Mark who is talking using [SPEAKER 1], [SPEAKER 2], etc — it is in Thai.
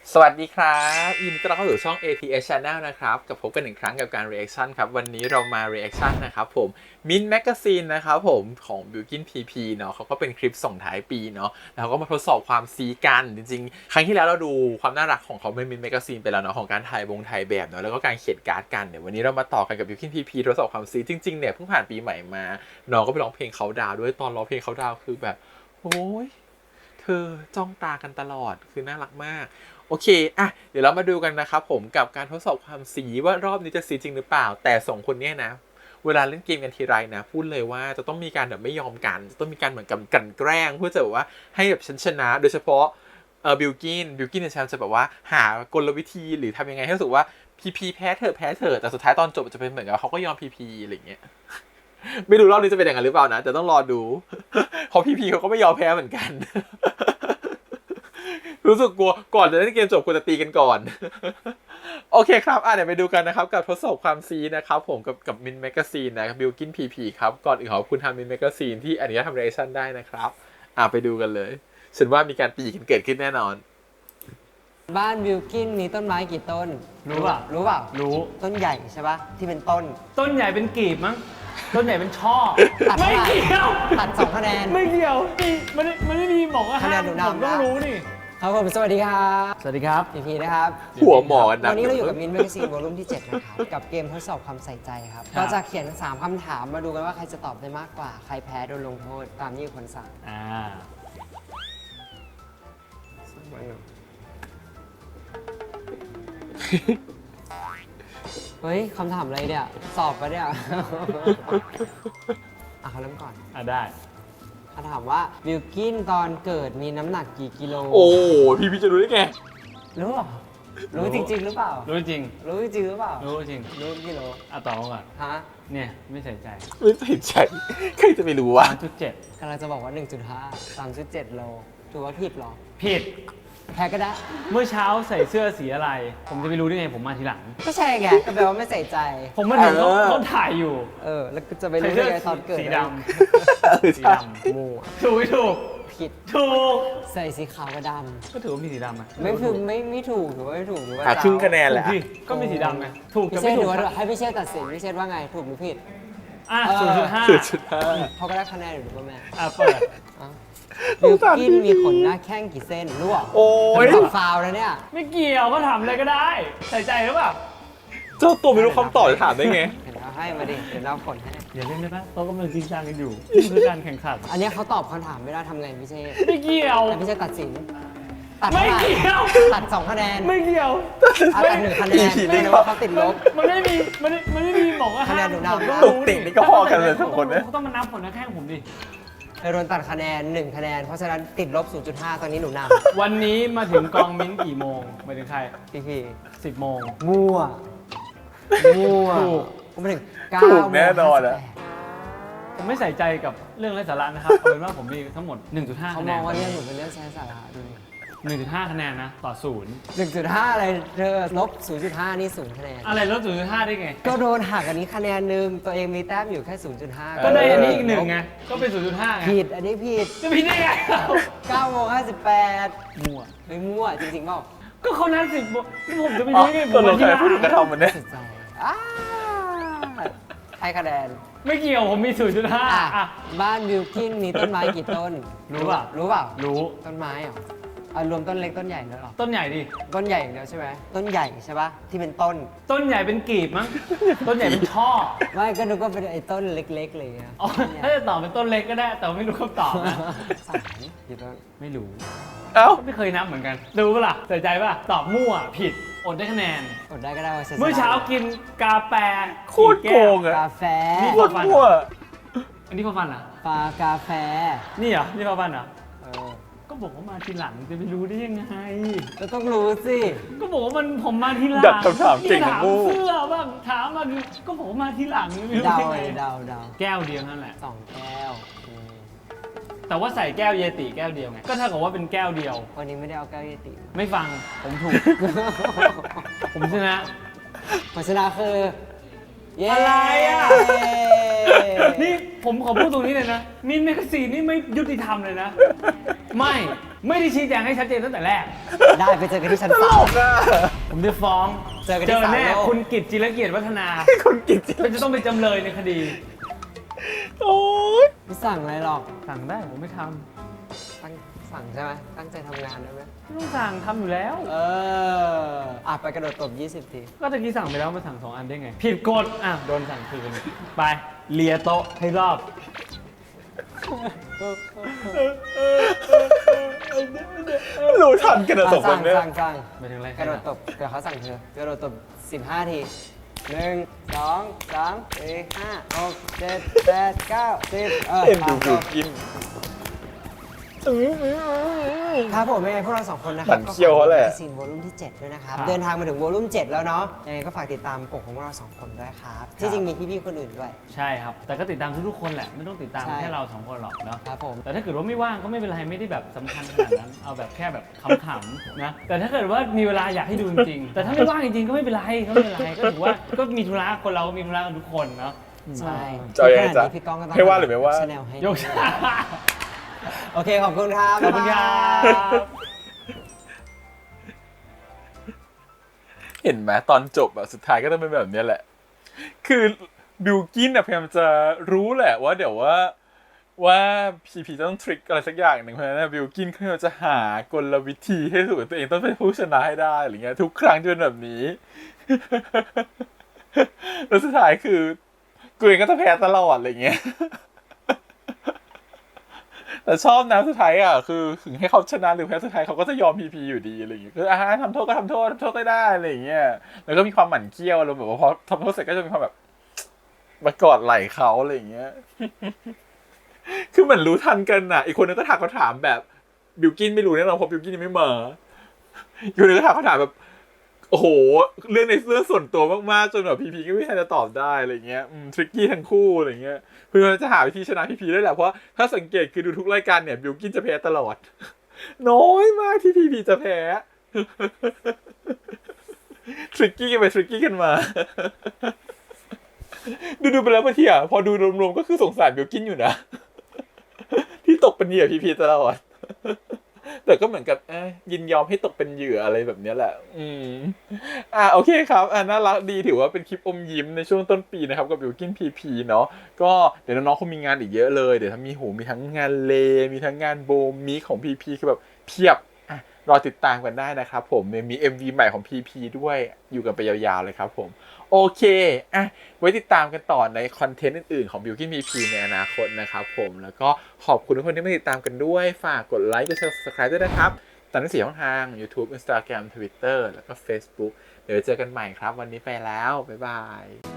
[SPEAKER 1] สวัสดีครับยินดีต้อนรับเข้าสู่ช่อง ATS Channel นะครับกับพบกันอีกครั้งกับการ reaction ครับวันนี้เรามา reaction นะครับผม Mint Magazine นะครับผมของ Bilkin PP เนาะเขาก็เป็นคลิปส่งท้ายปีเนาะแล้วก็มาทดสอบความซีกันจริงๆครั้งที่แล้วเราดูความน่ารักของเขาใน Mint Magazine ไปแล้วเนาะของการถ่ายแบบเนาะแล้วก็การเขียนการ์ดกันเดี๋ยววันนี้เรามาต่อกันกับ Bilkin PP ทดสอบความซีจริงๆเนี่ยเพิ่งผ่านปีใหม่มาน้องก็ไปร้องเพลงเขาดาวด้วยตอนร้องเพลงเขาดาวคือแบบโอ้ยเธอจ้องตากันตลอดคือน่ารักมากโอเคอ่ะเดี๋ยวเรามาดูกันนะครับผมกับการทดสอบความสีว่ารอบนี้จะสีจริงหรือเปล่าแต่สองคนเนี้ยนะเวลาเล่นเกมกันทีไรนะพูดเลยว่าจะต้องมีการแบบไม่ยอมกันจะต้องมีการเหมือนกับกลั่นแกล้งเพื่อจะแบบว่าให้แบบฉันชนะโดยเฉพาะบิลกินเนี่ยฉันจะแบบว่าหากลวิธีหรือทำยังไงให้รู้สึกว่าพีแพ้เถอะแต่สุดท้ายตอนจบจะเป็นเหมือนกับเขาก็ยอมพีอะไรอย่างเงี้ยไม่รู้รอบนี้จะเป็นอย่างนั้นหรือเปล่านะแต่ต้องรอดูเพราะพีเขาก็ไม่ยอมแพ้เหมือนกันรู้สึกกลัวก่อนจะเล่นเกมจบควรจะตีกันก่อนโอเคครับเดี๋ยวไปดูกันนะครับกับทดสอบความซีนะครับผมกับมินแมกกาซีนนะครับบิลกินพีครับก่อนอื่นขอบคุณทางมินแมกกาซีนที่อนุญาตทำเรชั่นได้นะครับไปดูกันเลยฉันว่ามีการตีกันเกิดขึ้นแน่นอน
[SPEAKER 2] บ้านวิลกินมีต้นไม้กี่ต้น
[SPEAKER 3] รู้ป่ะรู้
[SPEAKER 2] ต้นใหญ่ใช่ปะที่เป็นต้น
[SPEAKER 3] ใหญ่เป็นกีบมั้งต้นใหญ่เป็นช่อ
[SPEAKER 2] ไม่เกี่ยวตัด2คะแนน
[SPEAKER 3] ไม่เกี่ยวมันไม่มีบอกว่า
[SPEAKER 2] คะแนนหนูนำ
[SPEAKER 3] ผมต้องรู้นี่
[SPEAKER 2] ครับผมสวัสดีครับ
[SPEAKER 3] สวัสดีครับ
[SPEAKER 2] พีนะครับ
[SPEAKER 1] หัวหมอนะ
[SPEAKER 2] วันนี้เราอยู่กับมินแมกกาซีนวอลลุ่มที่7นะครับกับเกมทดสอบความใส่ใจครับก็จะเขียน3คำถามมาดูกันว่าใครจะตอบได้มากกว่าใครแพ้โดนลงโทษตามที่คนสั่งเฮ้ยคำถามอะไรเนี่ยสอบปะเนี่ยเขาเริ่มก่อน
[SPEAKER 3] ได้
[SPEAKER 2] เขาถามว่าบิลกินตอนเกิดมีน้ำหนักกี่กิโล
[SPEAKER 1] โอ้พี่จะรู้ได้ไง
[SPEAKER 2] รู้ป่ะรู้จริงๆหรือเปล่า
[SPEAKER 3] รู้จริง
[SPEAKER 2] หรือเปล่า
[SPEAKER 3] รู้จริง
[SPEAKER 2] รู้กิโล
[SPEAKER 3] ตอบก่อน
[SPEAKER 2] ฮะ
[SPEAKER 3] เนี่ยไม่ใส่ใจ
[SPEAKER 1] ใครจะไปรู้วะ
[SPEAKER 3] 3.7
[SPEAKER 2] กำลังจะบอกว่า 1.5 3.7 โลถือว่าผิดหรอ
[SPEAKER 3] ผิด
[SPEAKER 2] แพ้ก็ได้
[SPEAKER 3] เมื่อเช้าใส่เสื้อสีอะไรผมจะไปรู้ได้ไงผมมาทีหลัง
[SPEAKER 2] ก็ใช่ไงก็แปลว่าไม่ใส่ใจ
[SPEAKER 3] ผมมาถึงเขาถ่ายอยู่
[SPEAKER 2] แล้วจะไปรู้ได้ไงตอนเกิด
[SPEAKER 3] สีดำ
[SPEAKER 2] มั่ว
[SPEAKER 3] ถูก
[SPEAKER 2] ผิดใส่สีขาวกับด
[SPEAKER 3] ำก็ถือว่ามีสีดำไหม
[SPEAKER 2] ไม่ถูกถือว่าไม่ถูกถือว่า
[SPEAKER 1] ครึ่งคะแนนแหละ
[SPEAKER 3] ก็มีสีดำไงถูก
[SPEAKER 2] กับไม่ถูกให้พี่เชษตัดสินพี่เชษว่าไงถูกหรือผิด
[SPEAKER 3] 0.5
[SPEAKER 2] เขาก็ได้คะแนนอยู่ป่ะแม่
[SPEAKER 3] เปิด
[SPEAKER 2] บิลกินมีขนหน้าแข้งกี่เส้นรู้ป่ะ
[SPEAKER 1] โอ้ย
[SPEAKER 2] ฟาวแล้วเนี่ย
[SPEAKER 3] ไม่เกี่ยวก็ถามอะไรก็ได้ใส่ใจหรือเปล่า
[SPEAKER 1] เจ้าตัวไม่รู้คำตอบจะถามได้ไง
[SPEAKER 2] เห็นเราให้มาดิเดี๋ยวเราผลให้
[SPEAKER 3] อย่าเล่นได้ปะเขากำลังจริงจังกันอยู่นี่คือการแข่งขัน
[SPEAKER 2] อันนี้เขาตอบคำถามไม่ได้ทำไงพี่เชษ
[SPEAKER 3] ไม่เกี่ยว
[SPEAKER 2] พี่เชษตัดสิน
[SPEAKER 3] ไม่เกี่ยว
[SPEAKER 2] ตัด2คะแนน
[SPEAKER 3] ไม่เกี่ยว
[SPEAKER 2] ตัด1คะแนนไม่รู้ว่าเขาติดลบ
[SPEAKER 3] มันไม่มีบอกว่า
[SPEAKER 2] คะแนนหนูน
[SPEAKER 1] ำตุกติ่งนี่ก็พอกันเลย2คนเนี่ย
[SPEAKER 3] เขาต้องมานับผลนะแข่งผมดิ
[SPEAKER 2] โดนตัดคะแนน1คะแนนเพราะฉะนั้นติดลบ 0.5 ตอนนี้หนูน
[SPEAKER 3] ำวันนี้มาถึงกองมิ้นกี่โมงหมายถึงใคร
[SPEAKER 2] พี่
[SPEAKER 3] 10 โมง
[SPEAKER 2] มั่วผมมาถึง9
[SPEAKER 1] แน่นอนอะ
[SPEAKER 3] ผมไม่ใส่ใจกับเรื่องไร้สาระนะครับเอาเป็นว่าผมมีทั้งหมด 1.5 คะแนน
[SPEAKER 2] เขามองว่าเรื่องหนูเป็นเรื่องไร้สาระดู
[SPEAKER 3] 1.5 คะแนนนะต่อ
[SPEAKER 2] 1.5 อะไรเธอลบ 0.5 นี่0คะแนน
[SPEAKER 3] อะไรลบ 0.5 ได้ไง
[SPEAKER 2] ก็โดนหักอันนี้คะแนนนึงตัวเองมีแต้มอยู่แค่ 0.5
[SPEAKER 3] ก็ได้อันนี้อีก1ไงก็เป็น 0.5 ไง
[SPEAKER 2] ผิดอันนี้ผิด
[SPEAKER 3] จะผิดได้ไง
[SPEAKER 2] 9:58มั่วไม่มั่วจริงๆเปล่า
[SPEAKER 3] ก็เขานัด10 โมงผมจะไปรู้ไง
[SPEAKER 1] ผมที่พูดกระทำมันเนี่ย
[SPEAKER 2] ให้คะแนน
[SPEAKER 3] ไม่เกี่ยวผมมี 0.5
[SPEAKER 2] บ้านวิลกินมีต้นไม้กี่ต้น
[SPEAKER 3] รู้เปล่ารู้
[SPEAKER 2] ต้นไม้เหรอรวมต้นเล็กต้นใหญ่ด้วยหรอ
[SPEAKER 3] ต้นใหญ่ดิ
[SPEAKER 2] ต้นใหญ่อย่างเดียวใช่ไหมต้นใหญ่ใช่ปะที่เป็นต้น
[SPEAKER 3] ใหญ่เป็นกีบมั้งต้นใหญ่เป็นช่อ
[SPEAKER 2] ไม่ก็นึกว่าเป็นไอ้ต้นเล็กๆเลยนะ
[SPEAKER 3] ถ้าจะตอบเป็นต้นเล็กก็ได้แต่ไม่รู้คำตอบนะ
[SPEAKER 2] กี่ต้น
[SPEAKER 3] ไม่รู้
[SPEAKER 1] ไม่
[SPEAKER 3] เคยนับเหมือนกันรู้ปะล่ะใส่ใจปะตอบมั่วผิดอดได้คะแนน
[SPEAKER 2] อดได้ก็ได้
[SPEAKER 3] เมื่อเช้ากินกาแฟ
[SPEAKER 1] โคตรโกงอะ
[SPEAKER 2] กาแฟ
[SPEAKER 1] นี่โคตรมั่ว
[SPEAKER 3] อันนี้พอฟันเหรอ
[SPEAKER 2] กาแฟ
[SPEAKER 3] นี่เหรอนี่พอฟันเหรอก็บอกว่ามาทีหลังจะไปรู้ได้ยังไง
[SPEAKER 2] ก็ต้องรู้สิ
[SPEAKER 3] ก็บอกว่าผมมาทีหลัง
[SPEAKER 1] ดักคำถามเก่ง
[SPEAKER 3] ถามเสื้อบ้างถามมาก็บอกว่ามาทีหลัง
[SPEAKER 2] เดา
[SPEAKER 3] แก้วเดียวนั่นแหละ
[SPEAKER 2] 2 แก้ว
[SPEAKER 3] แต่ว่าใส่แก้วเยติแก้วเดียวไงก็เท่ากับว่าเป็นแก้วเดียว
[SPEAKER 2] วันนี้ไม่ได้เอาแก้วเยติ
[SPEAKER 3] ไม่ฟังผมถูกผมชนะ
[SPEAKER 2] ผลชนะคือ
[SPEAKER 3] อะไรอ่ะนี่ผมขอพูดตรงนี้เลยนะมินแมกกาซีนนี่ไม่ยุติธรรมเลยนะ ไม่ได้ชี้แจงให้ชัดเจนตั้งแต่แรก
[SPEAKER 2] ได้ไปเจอกันที่ชั้น
[SPEAKER 1] ตล
[SPEAKER 2] 3
[SPEAKER 1] กอ่ะ
[SPEAKER 3] ผมจะฟ้อง
[SPEAKER 2] เจอกันที่ศาล
[SPEAKER 3] แน่
[SPEAKER 2] โลก
[SPEAKER 3] คุณกิตจิรเกียรติวัฒนา
[SPEAKER 1] คนกินจริง
[SPEAKER 3] เป็นจะต้องเป็นจำเลยในคดี
[SPEAKER 1] โอ๊ย
[SPEAKER 2] ไม่สั่งอะไรหรอก
[SPEAKER 3] สั่งได้ผมไม่ท
[SPEAKER 2] สั่งใช่ไหมตั้งใจทำงานได้ไหม
[SPEAKER 3] ำไม่ต้องสั่งทำอยู่แล้ว
[SPEAKER 2] ไปกระโดดตบ 20 ที
[SPEAKER 3] ก็ตะกี้สั่งไปแล้วมาสั่ง2 อันได้ไง ผิดกฎโดนสั่งคืนไปเลียโต๊ะให้รอบ
[SPEAKER 1] รู้ทันกันอะสองคนเนี่ย
[SPEAKER 2] สั่ง
[SPEAKER 3] ไปถึงอะไร
[SPEAKER 2] กระโดดตบเดี๋ยวเขาสั่งเธอกระโดดตบ 15 ที 1 2 3 4 5 6 7 8 9 10
[SPEAKER 1] เอ็นดูบิวกิน
[SPEAKER 2] ครับผมยังไงพวกเรา2 คนนะค
[SPEAKER 1] ห
[SPEAKER 2] รั
[SPEAKER 1] มั่นเคี้ยวเขาแหละ
[SPEAKER 2] ซีนวอลุ่มที่ 7 ด้วยนะครับ เดินทางมาถึงวอลุ่ม 7 แล้วเนาะยังไงก็ฝากติดตามกลุ่มของพวกเรา2 คนด้วยครับ ที่จริงมีพี่ๆคนอื่นด้วย
[SPEAKER 3] ใช่ครับ แต่ก็ติดตามทุกๆคนแหละ ไม่ต้องติดตาม
[SPEAKER 2] ใช่
[SPEAKER 3] แค่เรา2 คนหรอกเนาะ
[SPEAKER 2] ครับผม
[SPEAKER 3] แต่ถ้าเกิดว่าไม่ว่างก็ไม่เป็นไรไม่ได้แบบสำคัญขนาดนั้น เอาแบบแค่แบบขำๆนะ แต่ถ้าเกิดว่ามีเวลาอยากให้ดูจริงๆ แต่ถ้าไม่ว่างจริงๆก็ไม่เป็นไรก็ไม่เป็นไรก็ถือว่าก็มีธุระคนเราก็มีธุระกันทุกคนเนาะ
[SPEAKER 2] ใช่
[SPEAKER 1] จะเอายังไงจ๊ะ
[SPEAKER 2] ขณะนี้พี่ก้องก็ต้อง
[SPEAKER 1] ให้ว่าหรือไม่ว่า
[SPEAKER 2] ชแนลให้
[SPEAKER 3] ยก
[SPEAKER 2] โอเคขอบคุณครับ
[SPEAKER 3] ขอบคุณครับ
[SPEAKER 1] เห็นไหมตอนจบอะสุดท้ายก็ต้องเป็นแบบเนี้ยแหละ คือบิวกินอะพยายามจะรู้แหละว่าเดี๋ยวว่าพีจะต้องทริคอะไรสักอย่างหนึ่งเพราะฉะนั้นบิวกินเขาพยายามจะหากลวิธีให้รู้ว่าตัวเองต้องเป็นผู้ชนะให้ได้อะไรเงี้ยทุกครั้งจะเป็นแบบนี้ แล้วสุดท้ายคือกูเองก็จะแพ้ตลอดอะไรเงี้ย แต่ชอบนะสุดท้ายอ่ะคือถึงให้เขาชนะหรือแพ้สุดท้ายเขาก็จะยอมพีอยู่ดีอะไรอย่างเงี้ยคือทำโทษก็ทำโทษได้อะไรอย่างเงี้ยแล้วก็มีความหมั่นเคี้ยวอารมณ์แบบว่าพอทำโทษเสร็จก็จะมีความแบบมากอดไหล่เขาอะไรอย่างเงี้ย คือเหมือนรู้ทันกันน่ะอีกคนนึงก็ถามเขาถามแบบบิวกินไม่รู้แน่นอนเพราะบิวกินยังไม่มาอีกคนนึงก็ถามเขาถามแบบโอ้โหเรื่องในเรื่องส่วนตัวมากๆจนแบบพีก็ไม่ทันจะตอบได้อะไรเงี้ยทริกกี้ทั้งคู่อะไรเงี้ยเพื่อจะหาวิธีชนะพีได้แหละเพราะถ้าสังเกตคือดูทุกรายการเนี่ยบิวกินจะแพ้ตลอด น้อยมากที่พีจะแพ้ ทริกกี้กันไปทริกกี้กันมา ดูไปแล้วบางทีอ่ะพอดูรวมๆก็คือสงสารบิวกินอยู่นะ ที่ตกเป็นเหยื่อพีตลอด แต่ก็เหมือนกับยินยอมให้ตกเป็นเหยื่ออะไรแบบนี้แหละโอเคครับน่ารักดีถือว่าเป็นคลิปอมยิ้มในช่วงต้นปีนะครับกับบิวกินพีเนาะก็เดี๋ยวน้องๆคงมีงานอีกเยอะเลยเดี๋ยวถ้ามีทั้งงานเลมีทั้งงานโบมีของพีคือแบบเพียบรอติดตามกันได้นะครับผมมี MV ใหม่ของพีด้วยอยู่กันไปยาวๆเลยครับผมโอเคไว้ติดตามกันต่อในคอนเทนต์อื่นๆของ Built-in PP ในอนาคตนะครับผมแล้วก็ขอบคุณทุกคนที่มาติดตามกันด้วยฝากกดไลค์กด Subscribe ด้วยนะครับตามทั้ง4ช่องทาง YouTube Instagram Twitter แล้วก็ Facebook เดี๋ยวเจอกันใหม่ครับวันนี้ไปแล้วบ๊ายบาย